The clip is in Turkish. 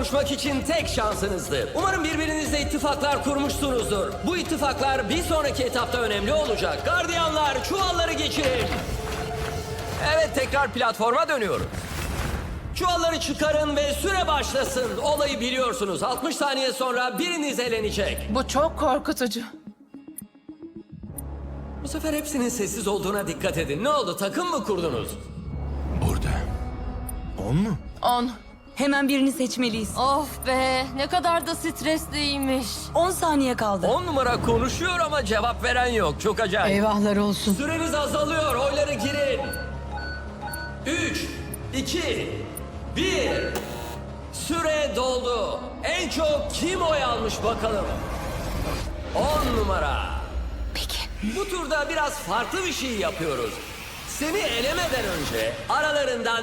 kavuşmak için tek şansınızdı. Umarım birbirinizle ittifaklar kurmuşsunuzdur. Bu ittifaklar bir sonraki etapta önemli olacak. Gardiyanlar, çuvalları geçirin. Evet, tekrar platforma dönüyoruz. Çuvalları çıkarın ve süre başlasın. Olayı biliyorsunuz. 60 saniye sonra biriniz elenecek. Bu çok korkutucu. Bu sefer hepsinin sessiz olduğuna dikkat edin. Ne oldu? Takım mı kurdunuz? Burada. 10 mu? 10. Hemen birini seçmeliyiz. Of be, ne kadar da stresliymiş. 10 saniye kaldı. 10 numara konuşuyor ama cevap veren yok. Çok acayip. Eyvahlar olsun. Süreniz azalıyor. Oyları girin. 3, 2, 1. Süre doldu. En çok kim oy almış bakalım? 10 numara. Peki. Bu turda biraz farklı bir şey yapıyoruz. Seni elemeden önce aralarından